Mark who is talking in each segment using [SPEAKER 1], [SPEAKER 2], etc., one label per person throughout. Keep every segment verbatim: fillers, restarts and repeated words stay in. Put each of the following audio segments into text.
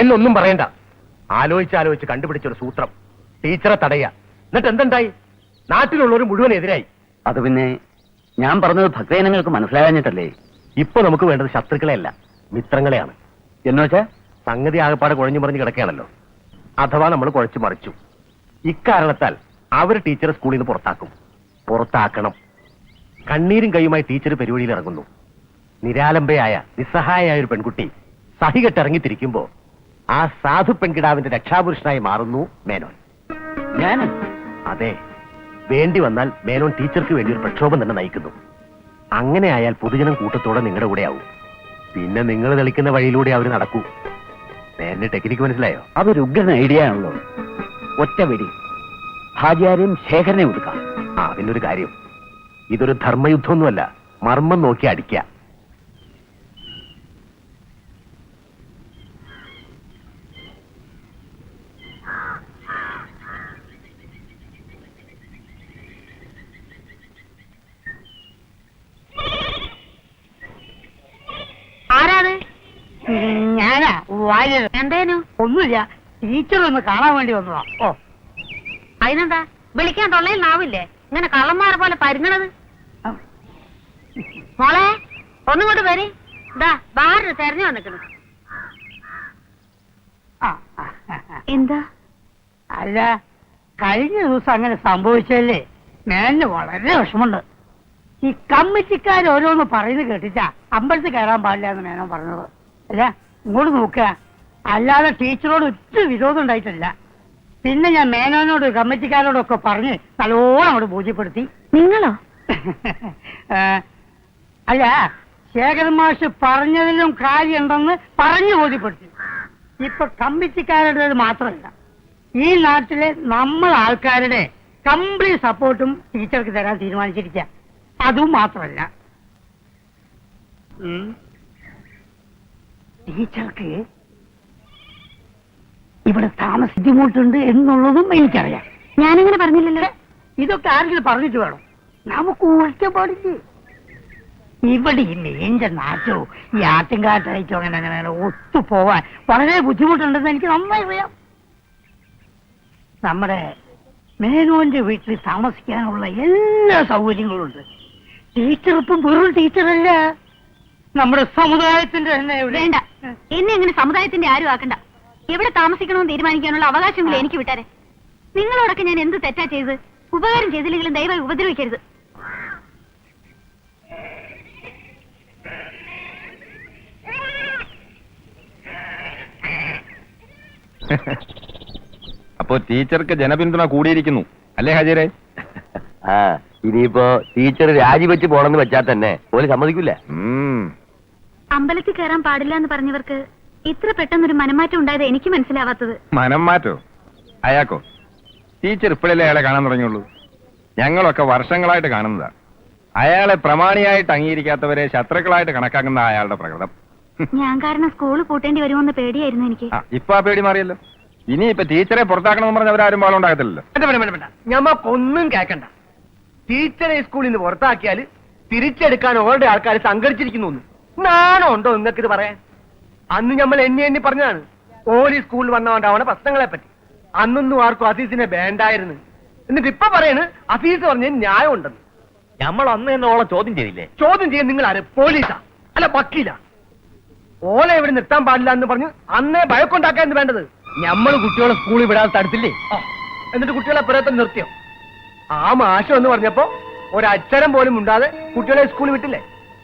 [SPEAKER 1] എന്നൊന്നും പറയണ്ട. ആലോചിച്ച് ആലോചിച്ച് കണ്ടുപിടിച്ചൊരു സൂത്രം. ടീച്ചറെ തടയുക. എന്നിട്ട് എന്തുണ്ടായി? നാട്ടിലുള്ളവർ മുഴുവൻ എതിരായി.
[SPEAKER 2] അത് പിന്നെ ഞാൻ പറഞ്ഞത് ഭക്തജനങ്ങൾക്ക് മനസ്സിലാകാഞ്ഞിട്ടല്ലേ?
[SPEAKER 1] ഇപ്പൊ നമുക്ക് വേണ്ടത് ശത്രുക്കളെയല്ല, മിത്രങ്ങളെയാണ്.
[SPEAKER 2] എന്ന് വെച്ചാ
[SPEAKER 1] സംഗതി ആകപ്പാടെ കുഴഞ്ഞു മറിഞ്ഞ് കിടക്കുകയാണല്ലോ. അഥവാ നമ്മൾ കുഴച്ചു മറിച്ചു. ഇക്കാരണത്താൽ അവർ ടീച്ചറെ സ്കൂളിൽ നിന്ന് പുറത്താക്കും. പുറത്താക്കണം. കണ്ണീരും കൈയുമായി ടീച്ചർ പരിപാടിയിൽ ഇറങ്ങുന്നു. നിരാലംബയായ നിസ്സഹായായ ഒരു പെൺകുട്ടി സഹികെട്ടിറങ്ങിത്തിരിക്കുമ്പോ ആ സാധു പെൺകിടാവിന്റെ രക്ഷാപുരുഷനായി മാറുന്നു മേനോൻ.
[SPEAKER 2] ഞാൻ
[SPEAKER 1] അതെ, വേണ്ടി വന്നാൽ മേനോൻ ടീച്ചർക്ക് വേണ്ടി ഒരു പ്രക്ഷോഭം തന്നെ നയിക്കുന്നു. അങ്ങനെ ആയാൽ പൊതുജനം കൂട്ടത്തോടെ നിങ്ങളുടെ കൂടെ ആവും. പിന്നെ നിങ്ങൾ തെളിക്കുന്ന വഴിയിലൂടെ അവർ നടക്കൂ. മേനന്റെ ടെക്നിക്ക് മനസ്സിലായോ?
[SPEAKER 2] അതൊരു ഉഗ്രൻ ഐഡിയ ആണല്ലോ. ഒറ്റ വെടി ഹാജിയാരെയും ശേഖരനെ ഒതുക്കാം.
[SPEAKER 1] ആ, അതിനൊരു കാര്യം, ഇതൊരു ധർമ്മയുദ്ധമൊന്നുമല്ല, മർമ്മം നോക്കി അടിക്കുക.
[SPEAKER 3] ആരാത്? ഞാനാ വാര്യർ. എന്തേനു? ഒന്നുമില്ല, ടീച്ചർ ഒന്ന് കാണാൻ വേണ്ടി വന്നതാ. ഓ, അതിനെന്താ? വിളിക്കാൻ തൊള്ളയിൽ നാവില്ലേ? ഇങ്ങനെ കള്ളന്മാരെ പോലെ പരുങ്ങണത്. മോളെ ഒന്നുകൊണ്ട് വരി. ഇതാ ബാറിന് തെരഞ്ഞു വന്നിക്കുന്നു. എന്താ? അല്ല, കഴിഞ്ഞ ദിവസം അങ്ങനെ സംഭവിച്ചല്ലേ, മേലിന് വളരെ വിഷമുണ്ട്. ഈ കമ്മിറ്റിക്കാർ ഓരോന്ന് പറയുന്നത് കേട്ടിട്ടാ അമ്പലത്തിൽ കയറാൻ പാടില്ല എന്ന് മേനോൻ പറഞ്ഞത്. അല്ല, ഇങ്ങോട്ട് നോക്കുക, അല്ലാതെ ടീച്ചറോട് ഒറ്റ വിരോധം ഉണ്ടായിട്ടില്ല. പിന്നെ ഞാൻ മേനോനോട് കമ്മിറ്റിക്കാരോടൊക്കെ പറഞ്ഞ് നല്ലോണം അങ്ങോട്ട് ബോധ്യപ്പെടുത്തി. നിങ്ങളോ? അല്ല, ശേഖരൻ മാഷ് പറഞ്ഞതിലും കാര്യമുണ്ടെന്ന് പറഞ്ഞു ബോധ്യപ്പെടുത്തി. ഇപ്പൊ കമ്മിറ്റിക്കാരുടേത് മാത്രമല്ല, ഈ നാട്ടിലെ നമ്മൾ ആൾക്കാരുടെ കംപ്ലീറ്റ് സപ്പോർട്ടും ടീച്ചർക്ക് തരാൻ തീരുമാനിച്ചിരിക്കുക. അതും മാത്രമല്ല, ടീച്ചർക്ക് ഇവിടെ താമസ ബുദ്ധിമുട്ടുണ്ട് എന്നുള്ളതും എനിക്കറിയാം. ഞാനങ്ങനെ പറഞ്ഞില്ലല്ലോ. ഇതൊക്കെ ആരെങ്കിലും പറഞ്ഞിട്ട് വേണം, നമുക്ക് ഒറ്റപ്പാടില്ലേ. ഇവിടെ ഈ മെയിൻ്റെ നാറ്റോ ഈ ആറ്റുംകാട്ടയച്ചോ അങ്ങനെ അങ്ങനെ ഒത്തുപോവാൻ വളരെ ബുദ്ധിമുട്ടുണ്ടെന്ന് എനിക്ക് നന്നായി അറിയാം. നമ്മുടെ മേനോന്റെ വീട്ടിൽ താമസിക്കാനുള്ള എല്ലാ സൗകര്യങ്ങളും ഉണ്ട്. ടീച്ചർ ഇപ്പം വെറും ടീച്ചറല്ല, നമ്മുടെ സമുദായത്തിന്റെ തന്നെ. വേണ്ട, എന്നെ അങ്ങനെ സമുദായത്തിന്റെ ആരും ആക്കണ്ട. എവിടെ താമസിക്കണമെന്ന് തീരുമാനിക്കാനുള്ള അവകാശങ്ങൾ എനിക്ക് വിട്ടാരെ. നിങ്ങളോടൊക്കെ ഞാൻ എന്ത് തെറ്റാ ചെയ്ത്? ഉപകാരം ചെയ്തില്ലെങ്കിലും ദയവായി ഉപദ്രവിക്കരുത്.
[SPEAKER 4] അപ്പോ ടീച്ചർക്ക് ജനപിന്തുണ കൂടിയിരിക്കുന്നു അല്ലേ ഹാജിരെ?
[SPEAKER 1] ആ, ഇനിയിപ്പോ ടീച്ചർ രാജിവെച്ച് പോണെന്ന് വെച്ചാൽ തന്നെ ഓല് സമ്മതിക്കില്ല.
[SPEAKER 5] അമ്പലത്തിൽ കയറാൻ പാടില്ല എന്ന് പറഞ്ഞവർക്ക് ഇത്ര പെട്ടെന്നൊരു മനംമാറ്റം ഉണ്ടായത് എനിക്ക് മനസ്സിലാവാത്തത്.
[SPEAKER 4] മനം മാറ്റോ? അയാക്കോ? ടീച്ചർ ഇപ്പോഴല്ലേ അയാളെ കാണാൻ തുടങ്ങിയുള്ളൂ. ഞങ്ങളൊക്കെ വർഷങ്ങളായിട്ട് കാണുന്നതാ. അയാളെ പ്രമാണിയായിട്ട് അംഗീകരിക്കാത്തവരെ ശത്രുക്കളായിട്ട് കണക്കാക്കുന്ന അയാളുടെ പ്രകൃതം.
[SPEAKER 5] ഞാൻ കാരണം സ്കൂള് പൂട്ടേണ്ടി വരുമോന്ന് പേടിയായിരുന്നു എനിക്ക്.
[SPEAKER 4] ഇപ്പൊ ആ പേടി മാറിയല്ലോ. ഇനി ഇപ്പൊ ടീച്ചറെ പുറത്താക്കണമെന്ന് പറഞ്ഞ അവരാരും പാളം ഉണ്ടാകത്തില്ലല്ലോ.
[SPEAKER 1] ഞമ്മക്കൊന്നും കേൾക്കണ്ട. ടീച്ചറെ സ്കൂളിൽ നിന്ന് പുറത്താക്കിയാൽ തിരിച്ചെടുക്കാൻ ഓരുടെ ആൾക്കാർ സംഘടിച്ചിരിക്കുന്നു. നാണോ ഉണ്ടോ നിങ്ങൾക്ക് ഇത് പറയാൻ? അന്ന് നമ്മൾ എണ്ണി എണ്ണി പറഞ്ഞതാണ് ഓലി സ്കൂളിൽ വന്നോണ്ടാവണ പ്രശ്നങ്ങളെ പറ്റി. അന്നൊന്നും ആർക്കും അസീസിനെ വേണ്ടായിരുന്നു. എന്നിട്ട് ഇപ്പൊ പറയണ് അസീസ് പറഞ്ഞ ന്യായം ഉണ്ടെന്ന്.
[SPEAKER 2] നമ്മൾ അന്ന് തന്നെ ഓളെ ചോദ്യം ചെയ്തില്ലേ?
[SPEAKER 1] ചോദ്യം ചെയ്യാൻ നിങ്ങൾ ആര്? പോലീസാ അല്ല വക്കീല? ഓലെ ഇവിടെ നിർത്താൻ പാടില്ല എന്ന് പറഞ്ഞ് അന്നേ ഭയക്കൊണ്ടാക്കാൻ വേണ്ടത്.
[SPEAKER 2] നമ്മൾ കുട്ടികളെ സ്കൂളിൽ വിടാതെ തടുത്തില്ലേ?
[SPEAKER 1] എന്നിട്ട് കുട്ടികളെ പുറത്ത് നിർത്തിയോ? ആ മാഷം എന്ന് പറഞ്ഞപ്പോ ഒരക്ഷരം പോലും ഉണ്ടാതെ കുട്ടികളെ സ്കൂളിൽ വിട്ടില്ലേ?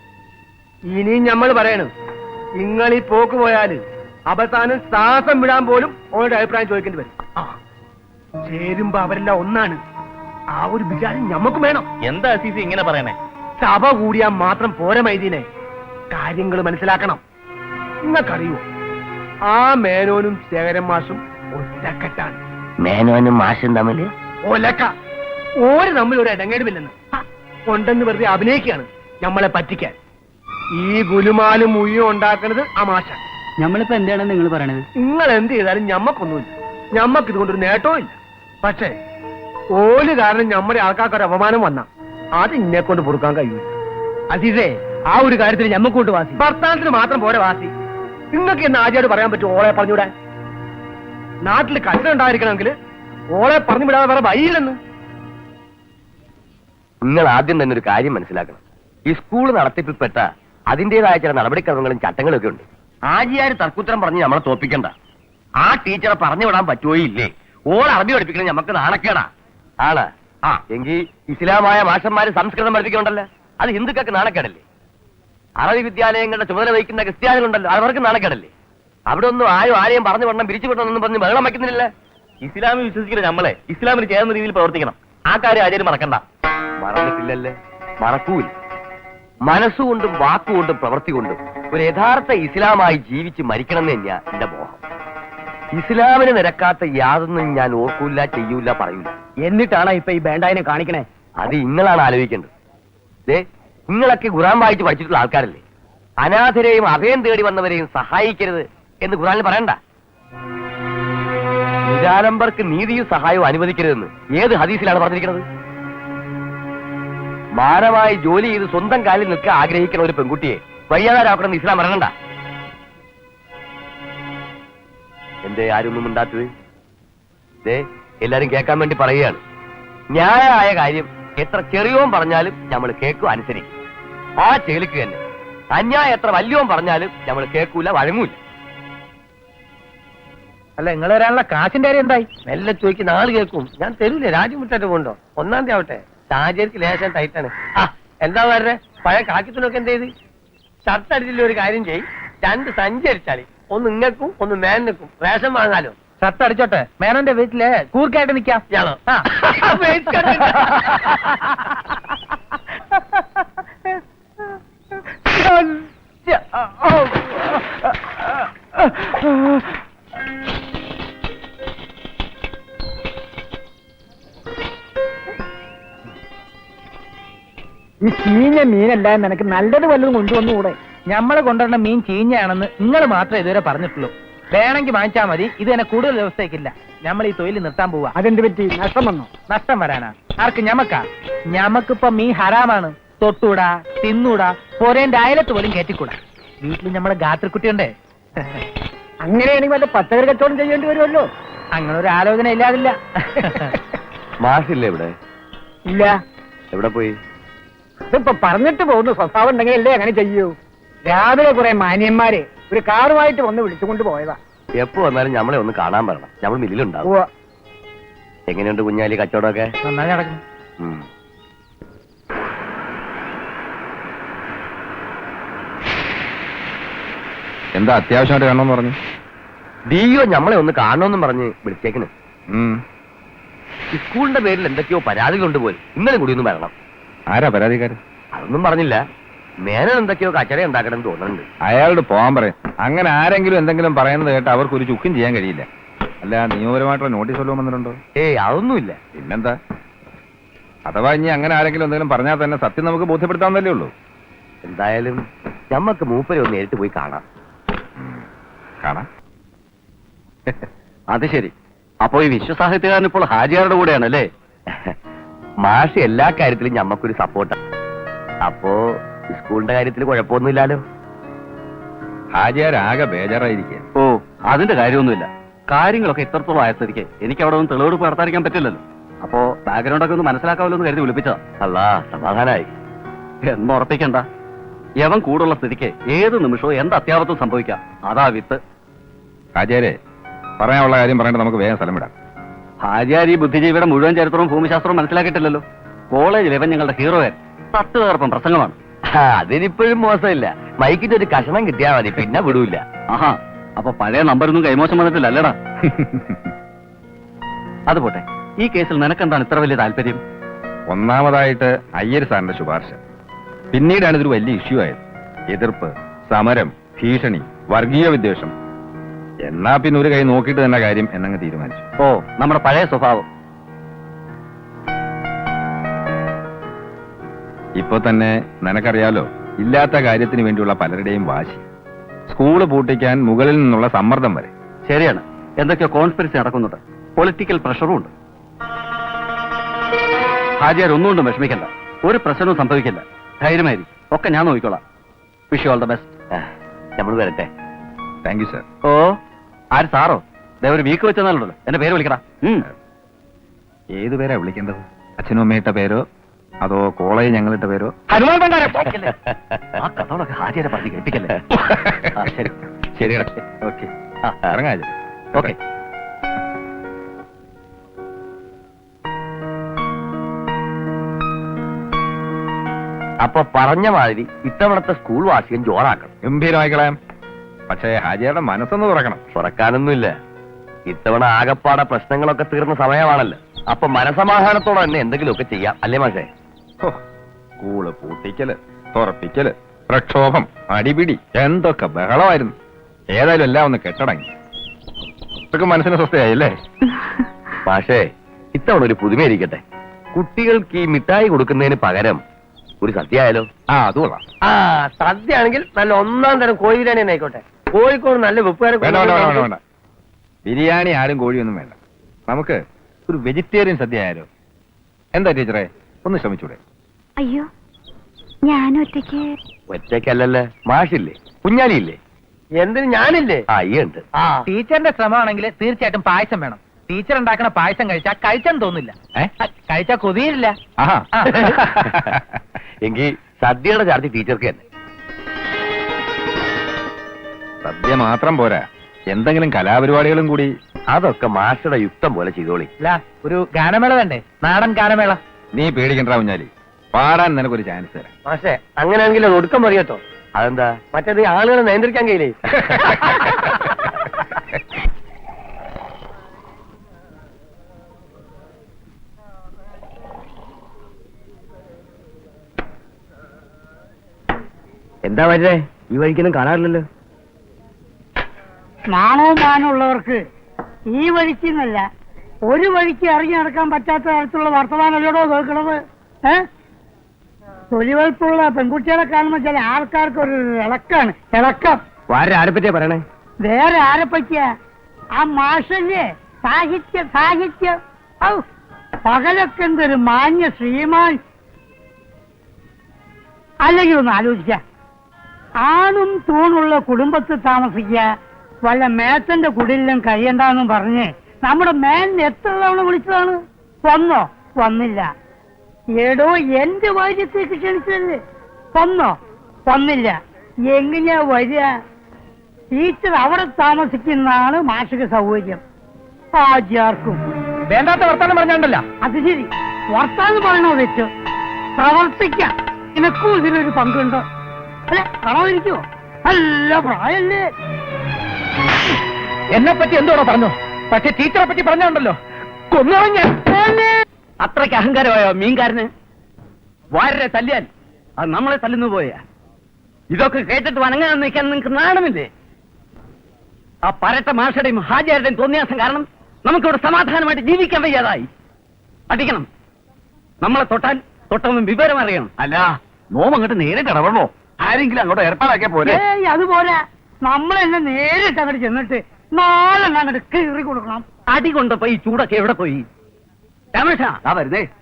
[SPEAKER 1] ഇനിയും നമ്മൾ പറയണു, നിങ്ങൾ ഈ പോക്ക് പോയാല് അവസാനം ശ്വാസം വിടാൻ പോലും ഓരുടെ അഭിപ്രായം ചോദിക്കേണ്ടി വരും. ആ, ചേരുമ്പോ അവരെല്ലാം ഒന്നാണ്. ആ ഒരു വിചാരം ഞമ്മക്കും വേണം.
[SPEAKER 2] എന്താ അസീസി ഇങ്ങനെ പറയണേ?
[SPEAKER 1] സഭ കൂടിയാൽ മാത്രം പോരെ മൈദീനെ, കാര്യങ്ങൾ മനസ്സിലാക്കണം. നിങ്ങൾക്കറിയോ, ആ മേനോനും ശേഖരൻ മാഷും ഒറ്റക്കെട്ടാണ്.
[SPEAKER 2] മേനോനും മാഷും തമ്മില്
[SPEAKER 1] ഒലക്ക. ഓര് തമ്മിൽ ഒരു ഇടങ്ങേടുമില്ലെന്ന് കൊണ്ടെന്ന് വെറുതെ അഭിനയിക്കുകയാണ് നമ്മളെ പറ്റിക്കാൻ. ഈ ഗുലുമാലും മുയ്യും ഉണ്ടാക്കുന്നത് ആ മാഷ.
[SPEAKER 2] നമ്മളിപ്പോ എന്താണ് നിങ്ങൾ പറയണത്?
[SPEAKER 1] നിങ്ങൾ എന്ത് ചെയ്താലും ഞമ്മക്കൊന്നുമില്ല. ഞമ്മക്ക് ഇതുകൊണ്ടൊരു നേട്ടവും ഇല്ല. പക്ഷേ ഓല് കാരണം നമ്മുടെ ആൾക്കാർക്ക് ഒരു അപമാനം വന്ന അത് ഇന്നെ കൊണ്ട് പൊറുക്കാൻ കഴിയൂല.
[SPEAKER 2] അസീസേ, ആ ഒരു കാര്യത്തിൽ ഞമ്മക്കൊണ്ട് വാസി.
[SPEAKER 1] ഭർത്താനത്തിന് മാത്രം പോരെ വാസി. നിങ്ങൾക്ക് എന്ന് ആദ്യമായിട്ട് പറയാൻ പറ്റും ഓളെ പറഞ്ഞൂടാൻ? നാട്ടിൽ കച്ചറ ഉണ്ടായിരിക്കണമെങ്കിൽ ഓളെ പറഞ്ഞു വിടാതെ വേറെ വഴിയില്ലെന്ന്.
[SPEAKER 6] നിങ്ങൾ ആദ്യം തന്നെ ഒരു കാര്യം മനസ്സിലാക്കണം. ഈ സ്കൂൾ നടത്തിപ്പിൽപ്പെട്ട അതിന്റേതായ ചില നടപടിക്രമങ്ങളും ചട്ടങ്ങളും ഒക്കെ ഉണ്ട്. ആജിയാര് തർക്കുത്തരം പറഞ്ഞ് നമ്മളെ തോപ്പിക്കണ്ട. ആ ടീച്ചറെ പറഞ്ഞു വിടാൻ പറ്റുമോ ഇല്ലേ? ഓൾ അറബി പഠിപ്പിക്കണം നമുക്ക് നാണക്കേടാ. ആണ് ആ എങ്കിൽ ഇസ്ലാമായ മാഷന്മാര് സംസ്കൃതം പഠിപ്പിക്കണ്ടല്ലോ, അത് ഹിന്ദുക്കൾക്ക് നാണക്കേടല്ലേ? അറബി വിദ്യാലയങ്ങളുടെ ചുമതല വഹിക്കുന്ന ക്രിസ്ത്യാനികളുണ്ടല്ലോ, അവർക്ക് നാണക്കേടല്ലേ? അവിടെ ഒന്നും ആരും ആരെയും പറഞ്ഞു വിടണം പിരിച്ചു വിടണമെന്നും പറഞ്ഞ് ബഹളം വയ്ക്കുന്നില്ല. ഇസ്ലാമിൽ വിശ്വസിക്കുന്ന നമ്മളെ ഇസ്ലാമിന് ചേർന്ന രീതിയിൽ പ്രവർത്തിക്കണം. ആ കാര്യം ആരും മറക്കണ്ട. മറന്നിട്ടില്ലല്ലേ? മറക്കൂല. മനസ്സുകൊണ്ടും വാക്കുകൊണ്ടും പ്രവൃത്തി കൊണ്ടും ഒരു യഥാർത്ഥ ഇസ്ലാമായി ജീവിച്ച് മരിക്കണം എന്ന് തന്നെയാ എന്റെ മോഹം. ഇസ്ലാമിന് നിരക്കാത്ത യാതൊന്നും ഞാൻ ഓർക്കൂല, ചെയ്യൂല, പറയൂല.
[SPEAKER 2] എന്നിട്ടാണ് ഇപ്പൊ ഈ ബേണ്ടായിനെ കാണിക്കണേ?
[SPEAKER 6] അത് നിങ്ങളാണ് ആലോചിക്കേണ്ടത്. ദേ നിങ്ങളൊക്കെ ഖുർആൻ വായിച്ച് പഠിച്ചിട്ടുള്ള ആൾക്കാരല്ലേ? അനാഥരെയും അഭയം തേടി വന്നവരെയും സഹായിക്കരുത് എന്ന് ഖുർആനിൽ പറയണ്ട. നിരാലംബർക്ക് നീതിയും സഹായവും അനുവദിക്കരുതെന്ന് ഏത് ഹദീസിലാണ് പറഞ്ഞിരിക്കുന്നത്? മാനമായി ജോലി ചെയ്ത് സ്വന്തം കാലിൽ നിൽക്കാൻ ആഗ്രഹിക്കുന്ന ഒരു പെൺകുട്ടിയെ വയ്യാതാരാക്കണമെന്ന് ഇസ്ലാം പറയണ്ട. എന്തേ ആരൊന്നും ഉണ്ടാത്തത്? ദേ എല്ലാരും കേൾക്കാൻ വേണ്ടി പറയുകയാണ്. ന്യായമായ കാര്യം എത്ര ചെറിയോൻ പറഞ്ഞാലും നമ്മൾ കേൾക്കും, അനുസരിക്കും. ആ ചേലിക്ക് തന്നെ അന്യായം എത്ര വലിയോൻ പറഞ്ഞാലും നമ്മൾ കേൾക്കൂല, വഴങ്ങൂല.
[SPEAKER 1] അല്ല, നിങ്ങൾ വരാനുള്ള കാശിന്റെ കാര്യം എന്തായി?
[SPEAKER 6] മെല്ലെ ചോദിക്ക്, നാള് കേൾക്കും. ഞാൻ തരൂലേ, രാജ്യമുറ്റായിട്ട് പോകണ്ടോ? ഒന്നാം തീയതി ആവട്ടെ. സാഹചര്യക്ക് ലേശം ടൈറ്റാണ്. ആ എന്താ പറഞ്ഞേ? പഴയ കാക്കിത്തുണൊക്കെ എന്ത് ചെയ്ത്? ഷർട്ട് അടിച്ചില്ല, ഒരു കാര്യം ചെയ്, രണ്ട് സഞ്ചി അടിച്ചാളി. ഒന്ന് ഇങ്ങക്കും ഒന്ന് മേനക്കും റേഷൻ വാങ്ങാലോ.
[SPEAKER 1] ഷർട്ട് അടിച്ചോട്ടെ, മേനോന്റെ വീട്ടില് കൂർക്കായിട്ട് നിക്കാം.
[SPEAKER 6] ഞാനോ
[SPEAKER 1] ഈ ചീഞ്ഞ മീനല്ല, നിനക്ക് നല്ലത് വല്ലതും കൊണ്ടുവന്നുകൂടെ? ഞമ്മള് കൊണ്ടുവരുന്ന മീൻ ചീഞ്ഞയാണെന്ന് നിങ്ങൾ മാത്രമേ ഇതുവരെ പറഞ്ഞിട്ടുള്ളൂ. വേണമെങ്കിൽ വാങ്ങിച്ചാൽ മതി, ഇത് തന്നെ കൂടുതൽ ദിവസത്തേക്കില്ല. നമ്മൾ ഈ തൊഴിൽ നിർത്താൻ പോവാ. അതെന്ത് പറ്റി? നഷ്ടം വന്നോ? നഷ്ടം വരാനാ? ആർക്ക്? ഞമ്മക്കാ? ഞമ്മക്കിപ്പോ മീൻ ഹറാമാണ്. തൊട്ടൂടാ, തിന്നൂടാ, പോരേന്റെ അയലത്ത് പോലും കയറ്റിക്കൂടാ. വീട്ടിൽ നമ്മളെ ഗാത്രക്കുട്ടിയുണ്ടേ. അങ്ങനെയാണെങ്കിൽ വല്ല പച്ചക്കറി കച്ചവടം ചെയ്യേണ്ടി വരുമല്ലോ. അങ്ങനെ ഒരു ആലോചന ഇല്ലാതില്ല.
[SPEAKER 6] മാഷില്ലേ ഇവിടെ?
[SPEAKER 1] ഇല്ല.
[SPEAKER 6] എവിടെ പോയി?
[SPEAKER 1] ഇതിപ്പോ പറഞ്ഞിട്ട് പോകുന്നു. സ്വഭാവം ഉണ്ടെങ്കിൽ അല്ലേ അങ്ങനെ ചെയ്യൂ. രാവിലെ കുറെ മാന്യന്മാരെ ഒരു കാറുമായിട്ട് വന്ന് വിളിച്ചുകൊണ്ട് പോയതാ.
[SPEAKER 6] എപ്പോ വന്നാലും നമ്മളെ ഒന്ന് കാണാൻ പറയണം. നമ്മൾ മില്ലിലുണ്ടാവും. എങ്ങനെയുണ്ട് കുഞ്ഞാലി കച്ചവടമൊക്കെ?
[SPEAKER 1] നന്നായി നടക്കുന്നു.
[SPEAKER 6] ഉം.
[SPEAKER 4] എന്താ അത്യാവശ്യമായിട്ട് കാണണമെന്ന് പറഞ്ഞു?
[SPEAKER 6] ഡിഒ നമ്മളെ ഒന്ന് കാണണമെന്നും പറഞ്ഞ് വിളിച്ചേക്കണ്.
[SPEAKER 4] ഉം.
[SPEAKER 6] സ്കൂളിന്റെ പേരിൽ എന്തൊക്കെയോ പരാതികളുണ്ട് പോലും. ഇന്നലെ കൂടി ഒന്ന് വരണം.
[SPEAKER 4] ആരാ പരാതിക്കാരൻ?
[SPEAKER 6] അതൊന്നും പറഞ്ഞില്ല. മേനൻ എന്തൊക്കെയോ കച്ചറ ഉണ്ടാക്കണം തോന്നുന്നുണ്ട്.
[SPEAKER 4] അയാളോട് പോകാൻ പറയും. അങ്ങനെ ആരെങ്കിലും എന്തെങ്കിലും പറയുന്നത് കേട്ട് അവർക്ക് ഒരു ചുക്കും ചെയ്യാൻ കഴിയില്ല. അല്ല, നിയമപരമായിട്ടുള്ള നോട്ടീസ് വല്ലതും വന്നിട്ടുണ്ടോ?
[SPEAKER 6] ഏയ് അതൊന്നുമില്ല.
[SPEAKER 4] പിന്നെന്താ? അഥവാ ഇനി അങ്ങനെ ആരെങ്കിലും എന്തെങ്കിലും പറഞ്ഞാൽ തന്നെ സത്യം നമുക്ക് ബോധ്യപ്പെടുത്താവുന്നല്ലേ ഉള്ളൂ.
[SPEAKER 6] എന്തായാലും ഞമ്മക്ക് മൂപ്പരെ ഒന്ന് നേരിട്ട് പോയി കാണാം.
[SPEAKER 4] കാണാം.
[SPEAKER 6] അത് ശരി. അപ്പോ ഈ വിശ്വസാഹിത്യകാരൻ ഇപ്പോൾ ഹാജിയാരുടെ കൂടെയാണല്ലേ? മാഷ് എല്ലാ കാര്യത്തിലും ഞമ്മക്കൊരു സപ്പോർട്ടാണ്. അപ്പോ സ്കൂളിന്റെ കാര്യത്തിൽ കുഴപ്പമൊന്നുമില്ലല്ലോ.
[SPEAKER 4] ഹാജിയാരാകെ ബേജാറായിരിക്കുക.
[SPEAKER 6] ഓ, അതിന്റെ കാര്യമൊന്നുമില്ല. കാര്യങ്ങളൊക്കെ ഇത്രത്തോളം ആയ സ്ഥിതിക്ക് എനിക്ക് അവിടെ ഒന്ന് തെളിവെടുപ്പ് നടത്താതിരിക്കാൻ പറ്റില്ലല്ലോ. അപ്പോ ബാക്ക്ഗ്രൗണ്ട് ഒക്കെ ഒന്ന് മനസ്സിലാക്കാമല്ലോ എന്ന് കരുതി വിളിപ്പിച്ചതാ. അല്ലാ, സമാധാനായി. എന്ന് ഉറപ്പിക്കണ്ട. യവൻ കൂടുള്ള സ്ഥിതിക്ക് ഏത് നിമിഷവും എന്ത് അത്യാപത്തും സംഭവിക്കാം. അതാ വിത്ത്.
[SPEAKER 4] ഹാജിയാരെ, പറയാനുള്ള കാര്യം പറയേണ്ടത് നമുക്ക് വേഗം സ്ഥലം വിടാം.
[SPEAKER 6] ഹാജിയാർ ഈ ബുദ്ധിജീവിയുടെ മുഴുവൻ ചരിത്രവും ഭൂമിശാസ്ത്രവും മനസ്സിലാക്കിയിട്ടില്ലല്ലോ. കോളേജിൽ ഇവൻ ഞങ്ങളുടെ ഹീറോയൻ. പത്ത് തകർപ്പം പ്രസംഗമാണ്. അതിനിപ്പോഴും മോശമില്ല. മൈക്കിന്റെ ഒരു കഷണം കിട്ടിയാൽ മതി, പിന്നെ വിടൂല. ആഹാ, അപ്പൊ പഴയ നമ്പറൊന്നും കൈമോശം വന്നിട്ടില്ലല്ലടാ. അത് പോട്ടെ, ഈ കേസിൽ നിനക്കെന്താണ് ഇത്ര വലിയ താല്പര്യം?
[SPEAKER 4] ഒന്നാമതായിട്ട് അയ്യർ സാറിന്റെ ശുപാർശ. പിന്നീടാണ് ഇതൊരു വലിയ ഇഷ്യൂ ആയത്. എതിർപ്പ്, സമരം, ഭീഷണി, വർഗീയ വിദ്വേഷം. എന്നാ പിന്നെ ഒരു കൈ നോക്കിയിട്ട് തന്നെ കാര്യം എന്നങ്ങ് തീരുമാനിച്ചു.
[SPEAKER 6] ഓ, നമ്മുടെ പഴയ സ്വഭാവം.
[SPEAKER 4] ഇപ്പൊ തന്നെ നിനക്കറിയാലോ, ഇല്ലാത്ത കാര്യത്തിന് വേണ്ടിയുള്ള പലരുടെയും വാശി. സ്കൂള് പൂട്ടിക്കാൻ മുകളിൽ നിന്നുള്ള സമ്മർദ്ദം വരെ.
[SPEAKER 6] ശരിയാണ്, എന്തൊക്കെയോ കോൺസ്പിറസി നടക്കുന്നുണ്ട്. പൊളിറ്റിക്കൽ പ്രഷറും ഉണ്ട്. ഹാജിയാർ ഒന്നുകൊണ്ടും വിഷമിക്കണ്ട. ഒരു പ്രശ്നവും സംഭവിക്കില്ല. ധൈര്യമായിരിക്കും. ഒക്കെ ഞാൻ നോക്കിക്കോളാം. Wish you all the best. നമ്മൾ വരട്ടെ.
[SPEAKER 4] Thank you sir.
[SPEAKER 6] ഓ, ആര് സാറോ?
[SPEAKER 2] ഒരു വീക്ക് വെച്ചെന്നാലുണ്ടല്ലോ എന്റെ പേര് വിളിക്കടാ.
[SPEAKER 4] ഏത് പേരാ വിളിക്കേണ്ടത്? അച്ഛനും അമ്മയിട്ട പേരോ അതോ കോളേജ് ഞങ്ങളിട്ട പേരോ?
[SPEAKER 2] ഹനുമാൻ ഭണ്ഡാരം. ആ കഥകളൊക്കെ ഹാജിയാരെ പറഞ്ഞ് കേൾപ്പിക്കല്ലേ. ആ, ശരി
[SPEAKER 4] ശരിയടാ. ഓക്കെ, ഇറങ്ങാ.
[SPEAKER 2] ഓക്കെ.
[SPEAKER 6] അപ്പൊ പറഞ്ഞ മാതിരി ഇത്തവണത്തെ സ്കൂൾ വാർഷികം ജോറാക്കണം.
[SPEAKER 4] ഗംഭീരമായിക്കളയാം. പക്ഷേ ഹാജിയുടെ മനസ്സൊന്ന് തുറക്കണം.
[SPEAKER 6] തുറക്കാനൊന്നുമില്ല. ഇത്തവണ ആകപ്പാടെ പ്രശ്നങ്ങളൊക്കെ തീർന്ന സമയമാണല്ലോ. അപ്പൊ മനസമാധാനത്തോടെ തന്നെ എന്തെങ്കിലുമൊക്കെ ചെയ്യാം, അല്ലേ മാഷേ?
[SPEAKER 4] ഹോ, സ്കൂള് പൂട്ടിക്കല്, തുറപ്പിക്കല്, പ്രക്ഷോഭം, അടിപിടി, എന്തൊക്കെ ബഹളമായിരുന്നു. ഏതായാലും എല്ലാം ഒന്ന് കെട്ടടങ്ങി. ഇതൊക്കെ മനസ്സിന് സ്വസ്ഥയായില്ലേ?
[SPEAKER 6] മാഷേ, ഇത്തവണ ഒരു പുതുമയിരിക്കട്ടെ. കുട്ടികൾക്ക് ഈ മിഠായി കൊടുക്കുന്നതിന് പകരം ഒരു സദ്യ ആയാലോ?
[SPEAKER 4] ആ, അത് കൊള്ളാം.
[SPEAKER 1] ആ സദ്യ ആണെങ്കിൽ നല്ല ഒന്നാം തരം കോഴി ബിരിയാണി തന്നെ ആയിക്കോട്ടെ. കോഴിക്കോട് നല്ല വെപ്പുകാരെ
[SPEAKER 4] വേണ്ട വേണ്ട വേണ്ട വേണ്ട വേണ്ട ബിരിയാണി ആരും കോഴിയൊന്നും വേണ്ട. നമുക്ക് ഒരു വെജിറ്റേറിയൻ സദ്യ ആയാലോ? എന്താ ടീച്ചറെ, ഒന്ന് ശ്രമിച്ചൂടെ?
[SPEAKER 5] അയ്യോ, ഞാൻ ഒറ്റയ്ക്ക്.
[SPEAKER 6] ഒറ്റയ്ക്കല്ലല്ലേ, മാഷില്ലേ, കുഞ്ഞാലിയില്ലേ?
[SPEAKER 1] എന്തിന് ഞാനില്ലേ?
[SPEAKER 6] ആ, ഈ ഉണ്ട്.
[SPEAKER 1] ആ
[SPEAKER 3] ടീച്ചറിന്റെ ശ്രമമാണെങ്കിൽ തീർച്ചയായിട്ടും പായസം വേണം. ടീച്ചർ ഉണ്ടാക്കുന്ന പായസം കഴിച്ചാൽ കഴിച്ചാൻ തോന്നില്ല, കഴിച്ചാൽ കൊതിയില്ല.
[SPEAKER 4] ആഹാ.
[SPEAKER 6] എങ്കിൽ സദ്യയുടെ ചാർജ് ടീച്ചർക്ക് തന്നെ.
[SPEAKER 4] സദ്യ മാത്രം പോരാ, എന്തെങ്കിലും കലാപരിപാടികളും കൂടി.
[SPEAKER 6] അതൊക്കെ മാഷയുടെ യുക്തം പോലെ ചെയ്തോളി.
[SPEAKER 3] അല്ല, ഒരു ഗാനമേള വേണ്ടേ? നാടൻ ഗാനമേള.
[SPEAKER 4] നീ പേടിക്കണ്ട കുഞ്ഞാലി, പാടാൻ നിനക്കൊരു ചാൻസ് തരാം.
[SPEAKER 1] പക്ഷേ അങ്ങനെയാണെങ്കിൽ അത് ഒടുക്കം പറയട്ടോ.
[SPEAKER 6] അതെന്താ?
[SPEAKER 1] മറ്റേത് ആളുകളെ നിയന്ത്രിക്കാൻ കഴിയില്ലേ?
[SPEAKER 6] എന്താ വരേ, ഈ വഴിക്കൊന്നും കാണാറില്ലല്ലോ.
[SPEAKER 3] നാണവും മാനമുള്ളവർക്ക് ഈ വഴിക്ക് എന്നല്ല ഒരു വഴിക്ക് ഇറങ്ങി നടക്കാൻ പറ്റാത്ത തരത്തിലുള്ള വർത്തമാനമല്ലടോ കേൾക്കണത്. ഏഹ് തൊലിവെളുപ്പുള്ള പെൺകുട്ടികളെ കാണുമ്പോൾ ചില ആൾക്കാർക്ക് ഒരു ഇളക്കാണ്, ഇളക്കം.
[SPEAKER 6] വേറെ ആരെ പറ്റിയാ പറയണേ?
[SPEAKER 3] വേറെ ആരെ പറ്റിയാ? ആ മാഷല്ലേ, സാഹിത്യ സാഹിത്യം. ഔ, പകലൊക്കെ എന്തൊരു മാന്യ ശ്രീമാൻ. അല്ലെങ്കിൽ ഒന്ന് ആലോചിക്ക, ആണും തൂണുള്ള കുടുംബത്തിൽ താമസിക്കുക, വല്ല മേത്തന്റെ കുടിലും കഴിയണ്ടെന്നും പറഞ്ഞ് നമ്മുടെ മേലിന് എത്ര തവണ വിളിച്ചതാണ്? വന്നോ? വന്നില്ല. ഏടോ എന്റെ വാര്യത്തേക്ക് ക്ഷണിച്ചതല്ലേ? വന്നോ? വന്നില്ല. എങ്ങനെയാ വരിക? ടീച്ചർ അവിടെ താമസിക്കുന്നതാണ് മാഷിക സൗകര്യം. ആചാർക്കും
[SPEAKER 1] വേണ്ടാത്ത വർത്താനം പറഞ്ഞോണ്ടല്ല.
[SPEAKER 3] അത് ശരി, വർത്താനം പറയണോ വെച്ചു പ്രവർത്തിക്കാം. നിനക്കും ഇതിലൊരു പങ്കുണ്ടോ? അല്ലെ, കളവിരിക്കുവോ? നല്ല പ്രായല്ലേ?
[SPEAKER 1] എന്നെ പറ്റി എന്തോടോ പറഞ്ഞു? പക്ഷെ ടീച്ചറെ പറ്റി പറഞ്ഞോണ്ടല്ലോ, കൊന്നുകളഞ്ഞ.
[SPEAKER 2] അത്രയ്ക്ക് അഹങ്കാരമായോ മീൻകാരന്? വാരരെ തല്ലിയാൽ അത് നമ്മളെ തല്ലുന്നു പോയാ. ഇതൊക്കെ കേട്ടിട്ട് വണങ്ങാൻ നിൽക്കാൻ നിങ്ങൾക്ക് നാണമില്ലേ? ആ പരട്ട മാഷയുടെയും ഹാജിയാരുടെയും തോന്നിയാസം കാരണം നമുക്കിവിടെ സമാധാനമായിട്ട് ജീവിക്കാൻ വയ്യാതായി. അടിക്കണം. നമ്മളെ തൊട്ടാൽ തൊട്ടവൻ വിവരം അറിയണം. അല്ല, നോം അങ്ങോട്ട് നേരിട്ട് ഇടപെടണോ? ആരെങ്കിലും അങ്ങോട്ട് ഏർപ്പാടാക്കിയ പോലെ.
[SPEAKER 3] ഏയ്, അതുപോലെ നമ്മളെന്നെ നേരിട്ട് അങ്ങോട്ട് ചെന്നിട്ട് നാളെ അങ്ങോട്ട് കീറി കൊടുക്കണം.
[SPEAKER 2] അടി കൊണ്ടപ്പോ ഈ ചൂടൊക്കെ എവിടെ പോയി? രമേശ,
[SPEAKER 6] വരുന്നേ.